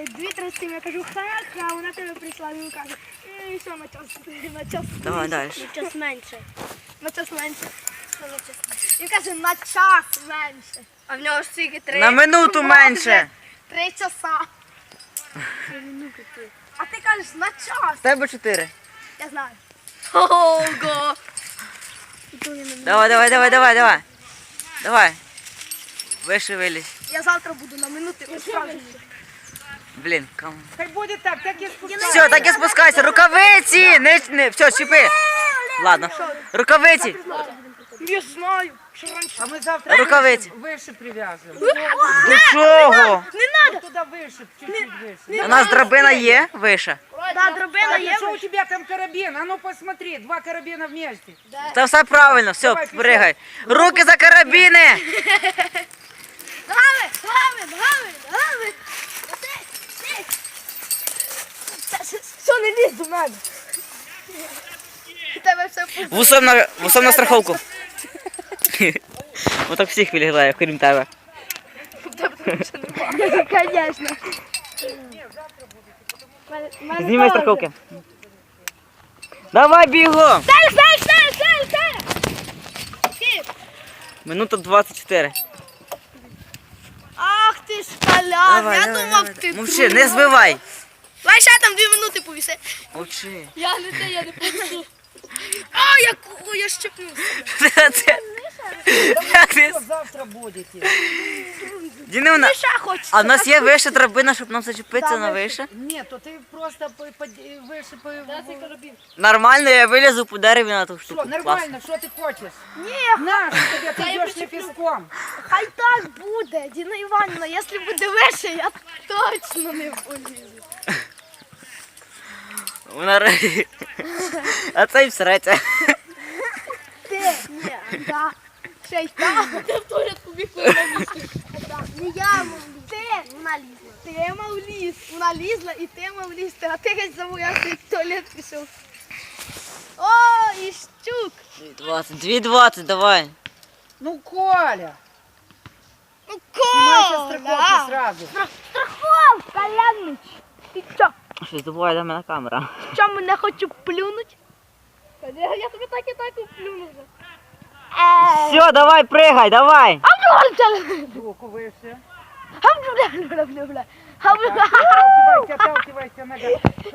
2-3 я кажу, ха-ха, вона тебе прийшла, він каже, і все, на час. Давай далі. На час менше. На час менше. Він каже, на час менше. А в нього ж тільки 3. На минуту менше. 3 часа. А ти кажеш, на час. З тебе 4. Я знаю. Ого. Давай. Давай. Вище вилізь. Я завтра буду на минути справжній. Блін, кому? Хай буде так і спускайся. Все, так і спускайся. Рукавиці! Не, все, чіпи. Ладно. Рукавиці. Я знаю. Що раніше. А ми завтра Рукавиці. вище прив'яжемо. До чого? Не треба. Туди вище, чуть-чуть вище. У нас драбина є вище. Да, дробина Так, є. что у тебя там карабин? А ну посмотри, 2 карабина вместе. Та все правильно, все, Давай, пішов. пригай. Руки за карабіни! Ногами. Все, не лізь до мене. У тебе все пусто. Вусом на страховку. Отак всіх вилігає, крім тебе. Конечно. Знімай страховки. Давай бігом! Стель! Минута 24. Ах ти ж колян, я думав ти Мовчи, не збивай. Давай ще там 2 минути повіси. Мовчи. Я не повісу. А, я щепнувся. Что завтра будете? Дінивна, Ти ще хочеш? а в нас є вища драбина, щоб нам зачепитися на вище? Нет, то ты просто выше по... Нормально, я вилізу по дереві на ту Что, штуку. Клас. нормально, что ты хочешь? Ні, На, что тебе, ты идешь не песком. хай так буде, Діна Іванівна, якщо буде вище, я точно не полізу. Вона ри- А це й всреться. Ти, ні, да. Ще й так. Ти в туалетку бігла на лізти. Не я мав лізти. Ти, вона лізла. Ти мав лізти. Вона лізла і ти мав лізти, а ти геть забоявся і в туалет пішов. О, і щук. 2,20, давай. Ну, Коля, Ну, снимай со страховки сразу. Страховка, Янич. Ти що? Щось забуває до мене камера. Що, мене хочу плюнуть? Я тобі так і так плюну вже. Все, давай, пригай, давай. Руку выше. Гам-бля-бля-бля-бля. Отталкивайся, нога.